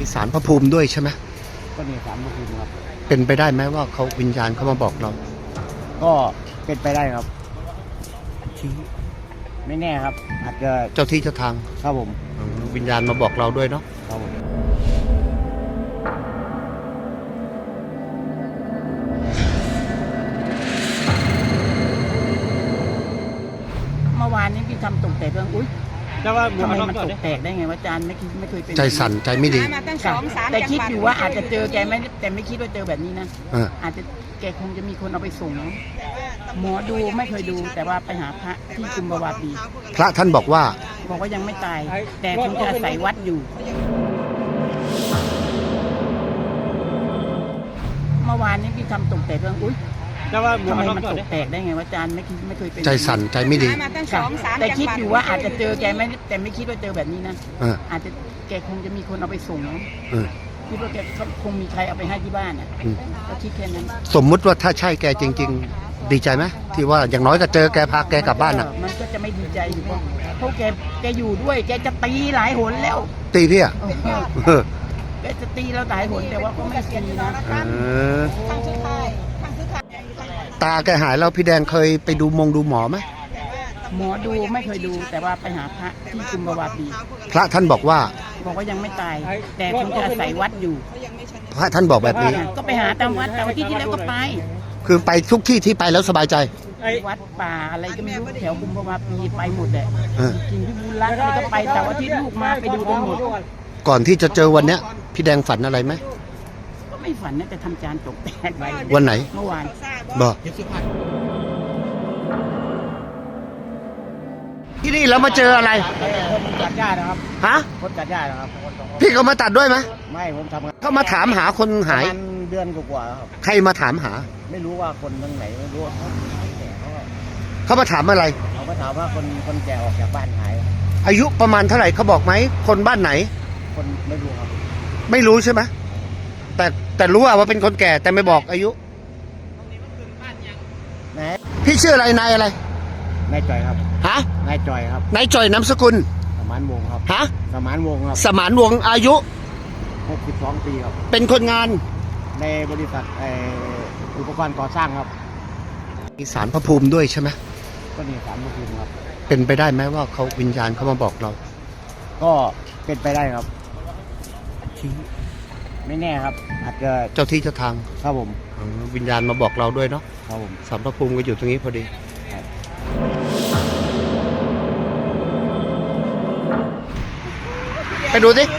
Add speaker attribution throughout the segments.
Speaker 1: ศาลพระภูมิด้วยใช่ไหม
Speaker 2: ก็มีศาลพระภูมิครับ
Speaker 1: เป็นไปได้ไหมว่าเขาวิญญาณเขามาบอกเรา
Speaker 2: ก็เป็นไปได้ครับไม่แน่ครับอาจจะ
Speaker 1: เจ้าที่เจ้าทาง
Speaker 2: ครับผม
Speaker 1: วิญญาณมาบอกเราด้วยเนาะ
Speaker 2: ครับผม
Speaker 3: เมื่อวานนี้พี่ทำตกแตกเรื่องอุ้ยทำไมมันตกแตกได้ไงวะอาจารย์ไม่เคยเป็น
Speaker 1: ใจสั่นใจไม่ดี
Speaker 3: แต่คิดอยู่ว่าอาจจะเจอแกไม่แต่ไม่คิดว่าเจอแบบนี้นะอาจจะแกคงจะมีคนเอาไปส่งหมอดูไม่เคยดูแต่ว่าไปหาพระที่กุมภาวะปี
Speaker 1: พระท่านบอกว่า
Speaker 3: ยังไม่ตายแต่คงจะอาศัยวัดอยู่เมื่อวานนี้พี่ทำตกแตกเรื่องอุ้ยทำไมมันตกแตกได้ไงวะอาจารย์ไม่เคยเป็น
Speaker 1: ใจสั่นใจไม่ดี
Speaker 3: แต่คิดอยู่ว่าอาจจะเจอแกไม่แต่ไม่คิดว่าเจอแบบนี้นะอาจจะแกคงจะมีคนเอาไปส่งคิดว่าแกคงมีใครเอาไปให้ที่บ้านก็คิดแค่นั้น
Speaker 1: สมมุติว่าถ้าใช่แกจริงๆดีใจไหมที่ว่าอย่างน้อยก็เจอแกพาแกกลับบ้าน
Speaker 3: มันก็จะไม่ดีใจอยู่เพราะแกอยู่ด้วยแกจะตีหลายหนแล้ว
Speaker 1: ตีพี่อ่ะ
Speaker 3: แกจะตีเราหลายหนแต่ว่าก็ไม่ตีนะ
Speaker 1: ตาแกหายแล้วพี่แดงเคยไปดูหมอไหม
Speaker 3: หมอดูไม่เคยดูแต่ว่าไปหาพระที่กุมภาวะปี
Speaker 1: พระท่านบอกว่า
Speaker 3: ยังไม่ตายแต่คงจะอาศัยวัดอยู่
Speaker 1: พระท่านบอกแบบนี้
Speaker 3: ก็ไปหาตามวัดแต่ว่าที่แล้วก็ไป
Speaker 1: คือไปทุกที่ที่ไปแล้วสบายใจ
Speaker 3: วัดป่าอะไรก็ไม่รู้แถวกุมภาวะปีไปหมดเลยกินที่บุญรักอะไรก็ไปแต่ว่าที่ลูกมาไปดูกันหมด
Speaker 1: ก่อนที่จะเจอวันเนี้ยพี่แดงฝันอะไรไหม
Speaker 3: ก็ไม่ฝันนะแต่ทำจานตกแตกไป
Speaker 1: วันไหน
Speaker 3: เมื่อวาน
Speaker 1: บอกที่นี่แล้วมาเจออะไร
Speaker 2: คนตัดหญ้านะครับ
Speaker 1: ฮะ
Speaker 2: คนตัดหญ้านะครับ
Speaker 1: พี่เขามาตัดด้วยไหม
Speaker 2: ไม่ผมทำงาน
Speaker 1: เขามาถามหาคนหาย
Speaker 2: เดือนกว่าครับ
Speaker 1: ใครมาถามหา
Speaker 2: ไม่รู้ว่าคนทางไหนไม่รู้
Speaker 1: เขามาถามอะไร
Speaker 2: เขามาถามว่าคนแก่ออกจากบ้านหาย
Speaker 1: อายุประมาณเท่าไหร่เขาบอกไหมคนบ้านไหน
Speaker 2: คนไม่รู้ครับ
Speaker 1: ไม่รู้ใช่ไหมแต่รู้ว่าเป็นคนแก่แต่ไม่บอกอายุพี่ชื่ออะไรนายอะไร
Speaker 2: นายจ่อยครับ
Speaker 1: ฮะ
Speaker 2: นายจ่อยครับ
Speaker 1: นายจ่อยนามสกุล
Speaker 2: สมานวงครับ
Speaker 1: ฮะ
Speaker 2: สมานวงครับ
Speaker 1: สมานวงอายุ
Speaker 2: 62 ปีครับ
Speaker 1: เป็นคนงาน
Speaker 2: ในบริษัทอุปกรณ์ก่อสร้างครับ
Speaker 1: มีศาลพระภูมิด้วยใช่ไหม
Speaker 2: ก็มีศาลพระภูมิครับ
Speaker 1: เป็นไปได้ไหมว่าเขาวิญญาณเขามาบอกเรา
Speaker 2: ก็เป็นไปได้ครับไม่แน่ครับอาจจะ
Speaker 1: เจ้าที่เจ้าทาง
Speaker 2: ครับผม
Speaker 1: วิญญาณมาบอกเราด้วยเนาะ
Speaker 2: ครับผม
Speaker 1: ศาลพระภูมิก็อยู่ตรงนี้พอดีไปดูสิ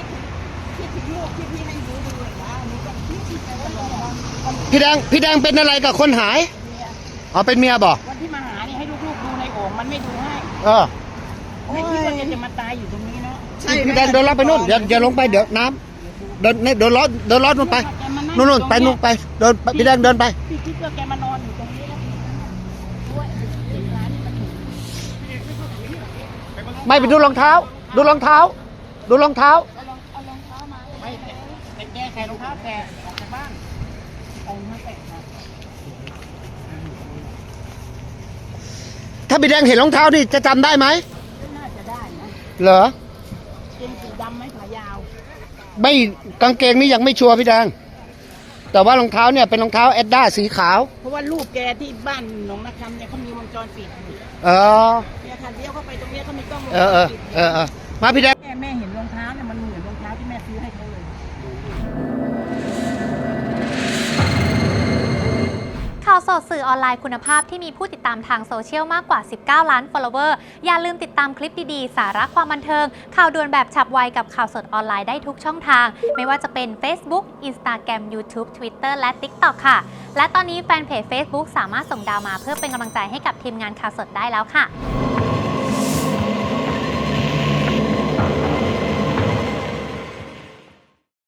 Speaker 1: พี่แดงเป็นอะไรกับคนหายอ๋อเป็นเมียบอก
Speaker 3: วันที่มาหานี่ให้ลูกๆดูในโอ่งมันไม่ดูให้ไม่คิดว่าจะมาตายอยู่ตรงนี้เนาะ
Speaker 1: พี่แดงเดินล้อไปนู่นเดี๋ยวลงไปเดี๋ยวน้ำเดินล้อนู่นไปนู่นไปนู่นไปเดินพี่แดงเดินไป
Speaker 3: พี่คิดว่าแกมานอนอยู่ตรงนี้
Speaker 1: ไม่ไปดูรองเท้าดูรองเท้า
Speaker 3: เอารองเท้ามาไม่แต่แกใส่รองเท้าแกออกจากบ้านเอามาแตะ
Speaker 1: ถ้าพี่แดงเห็นรองเท้านี่จะจำได้ไหม
Speaker 3: น่าจะได้นะ
Speaker 1: เหรอ
Speaker 3: เกงสีดำไหมขายาว
Speaker 1: ไม่กางเกงนี่ยังไม่ชัวร์พี่แดงแต่ว่ารองเท้าเนี่ยเป็นรองเท้าแอดด้าสีขาว
Speaker 3: เพราะว่าลูกแกที่บ้านหนองนาคำเนี่ยเขามีวงจรปิดอยู่เนี่ยค่ะเลี้ยวเข้าไปตรงนี้เขามีกล้องวงจรปิด
Speaker 1: มาพี่แดง
Speaker 3: แม่เห็นรองเท้าเนี่ยมันเหมือนรองเท้าที่แม่ซื้อให้เขาเลย
Speaker 4: ข่าวสดสื่อออนไลน์คุณภาพที่มีผู้ติดตามทางโซเชียลมากกว่า19 ล้าน follower อย่าลืมติดตามคลิปดีๆสาระความบันเทิงข่าวด่วนแบบฉับไวกับข่าวสดออนไลน์ได้ทุกช่องทางไม่ว่าจะเป็น Facebook Instagram YouTube Twitter และ TikTok ค่ะและตอนนี้แฟนเพจ Facebook สามารถส่งดาวมาเพื่อเป็นกำลังใจให้กับทีมงานข่าวสดได้แล้วค่ะ